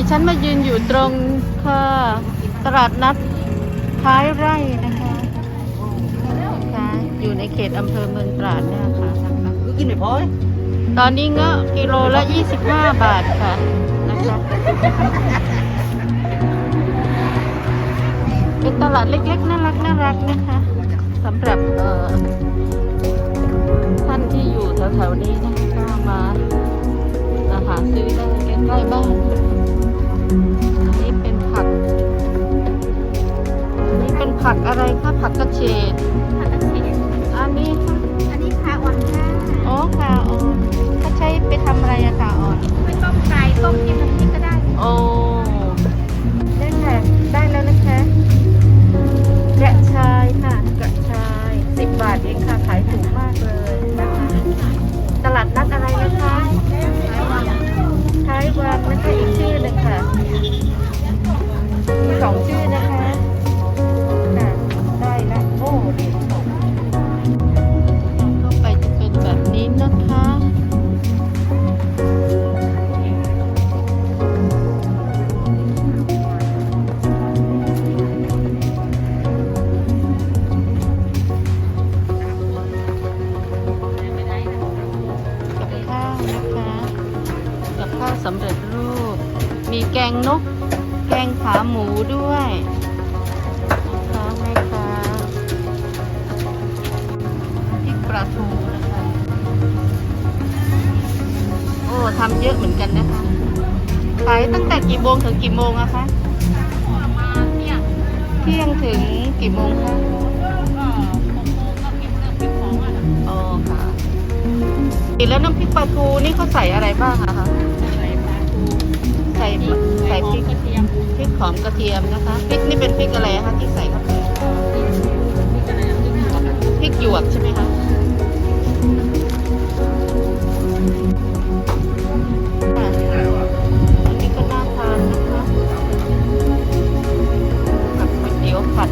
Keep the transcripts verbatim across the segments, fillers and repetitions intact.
ฉันมายืนอยู่ตรงค่ะตลาดนัดท้ายไร่นะคะค่ะอยู่ในเขตอำเภอเมืองตราดเนี่ยค่ะกินไม่พอตอนนี้เงาะกิโลละยี่สิบห้าบาทค่ะนะคะเป็นตลาดเล็กๆน่ารักน่ารักนะคะสำหรับเอ่อท่านที่อยู่แถวๆนี้นะก็มาอาหารซื้อได้ใกล้ๆบ้านอันนี้เป็นผักอันนี้เป็นผักอะไรคะผักกระเฉดผักกระเฉดอันนี้ค่ะอันนี้ขาอ่อนค่ะอ๋อขาอ่อนเขาใช้ไปทำอะไรอะขาอ่อนไปต้มไก่ต้มกินน้ำพริกก็ได้โอ้ได้ค่ะได้แล้วนะคะกระชายค่ะกระชายสิบบาทเองค่ะขายถูกมากเลยนะคะตลาดนัดอะไรนะคะท้ายวังนะคะอีกชื่อหนึ่งค่ะมีสองชื่อนะคะค่ะได้ละโอ้เดี๋ยวเข้าไปจะเป็นแบบนี้นะคะสำเร็จรูปมีแกงนกแกงขาหมูด้วยนะคะแม่ค้าพริกปลาทูนะคะโอ้ทำเยอะเหมือนกันนะคะขายตั้งแต่กี่โมงถึงกี่โมงอะคะประมาณเที่ยงเที่ยงถึงกี่โมงคะอ๋อค่ะแล้วน้ำพริกปลาทูนี่เขาใส่อะไรบ้างอะคะใส่ใส่พริกกระเทียมพริกหอมกระเทียมนะคะพริกนี่เป็นพริกอะไรคะที่ใส่เข้าไปพริกหยวกใช่ไหมคะอันนี้ก็น่าทานนะคะกับก๋วยเตี๋ยวผัด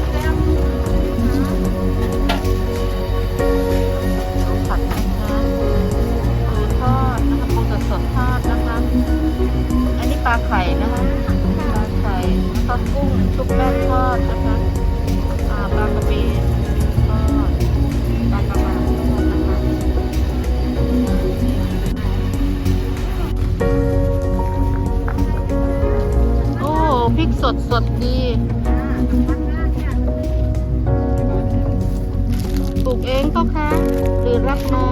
ผัดนะคะปูทอดนะคะปูสดๆทอดนะคะอันนี้ปลาไข่นะคะปลาไข่แล้วก็กุ้งชุบแป้งทอดนะคะอ่าปลากระเบนทอดปลากระมังทอดนะคะโอ้พริกสดสดดีปลูกเองก็คะหรือรับมา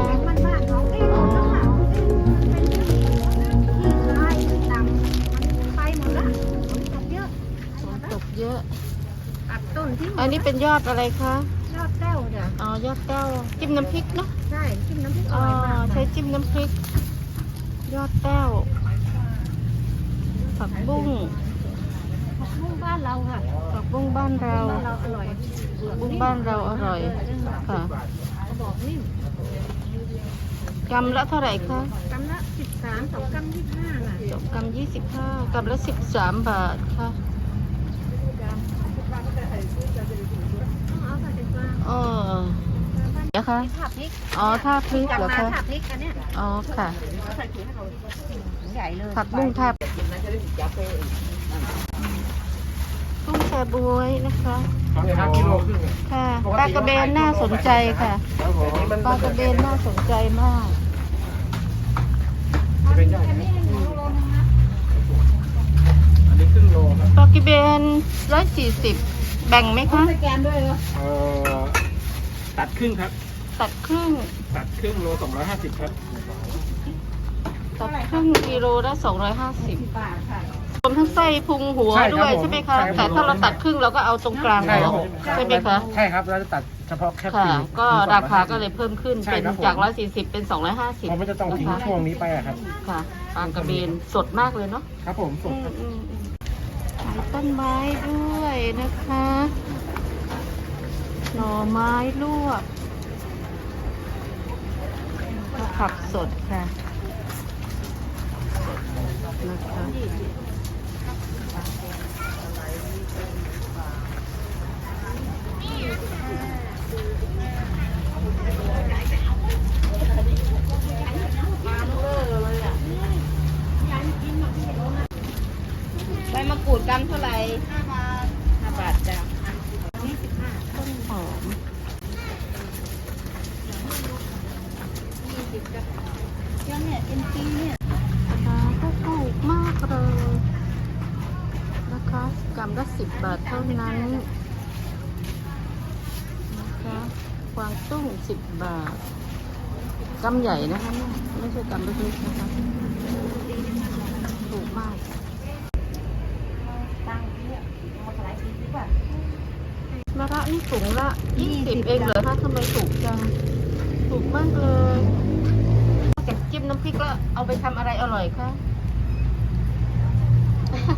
เยอะตัดต้นที่อันนี้เป็นยอดอะไรคะยอดแก้วจ้ะอ๋อยอดแก้วจิ้มน้ำพริกเนาะใช่จิ้มน้ำพริกอร่อยมากใช้จิ้มน้ำพริกยอดแก้วผักบุ้งผักบุ้งบ้านเราค่ะผักบุ้งบ้านเราเราอร่อยบุ้งบ้านเราอร่อยค่ะบอกนิ่มกำละเท่าไหร่คะกำละสิบสามสองกำยี่สิบห้าน่ะสองกำยี่สิบห้ากำละสิบสามบาทค่ะเออเดี๋ยวค่ะอ๋อท่าพริกเหรอคะอ๋อค่ะผักบุ้งท่ากุ้งแชบวยนะคะค่ะปลากระเบนน่าสนใจค่ะปลากระเบนน่าสนใจมากปลากระเบนร้อยสี่สิบแบ่งไหมคะสแกนด้วยเหรอเอ่อตัดครึ่งครับตัดครึ่งตัดครึ่งโลสองร้อยห้าสิบครับตัดครึ่งกิโลละสองร้อยห้าสิบบาทค่ะรวมทั้งไส้พุงหัวด้วยใช่ไหมคะแต่ถ้าเราตัดครึ่งเราก็เอาตรงกลางหัวใช่ไหมคะใช่ครับเราจะตัดเฉพาะแค่ปีกก็ราคาก็เลยเพิ่มขึ้นเป็นจากร้อยสี่สิบเป็นสองร้อยห้าสิบเราไม่จะต้องทิ้งช่วงนี้ไปอะครับค่ะปลากระเบนสดมากเลยเนาะครับผมสดครับขายต้นไม้ด้วยนะคะหน่อไม้ลวกผักสดค่ะนะคะมะกรูดกรัมเท่าไหร่ห้าบาทห้าบาทจ้ะนี่สิบห้าต้นหอมยี่สิบจ้ะยังเนี่ยเอ็นซีเนี่ยราคาก็ถูกมากเลยนะคะกรัมละสิบบาทเท่านั้นนะคะกวางตุ้งสิบบาทกำใหญ่นะคะเนี่ยไม่ใช่กำเล็กๆนะคะถูกมากตั้งเนี่ยมาหลายปีดีกว่ามะระนี่ถุงละยี่สิบเองเหรอคะทำไมถูกจังถูกมากเลยนอกจากจิ้มน้ำพริกแล้วเอาไปทำอะไรอร่อยคะ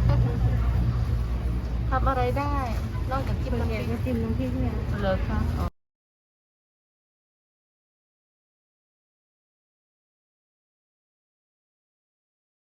ทำอะไรได้ นอกจากจิ้มส่วนน้ำพใหญ่ริกก็จิ้มน้ำพริกเนี่ยเหรอคะอ๋อ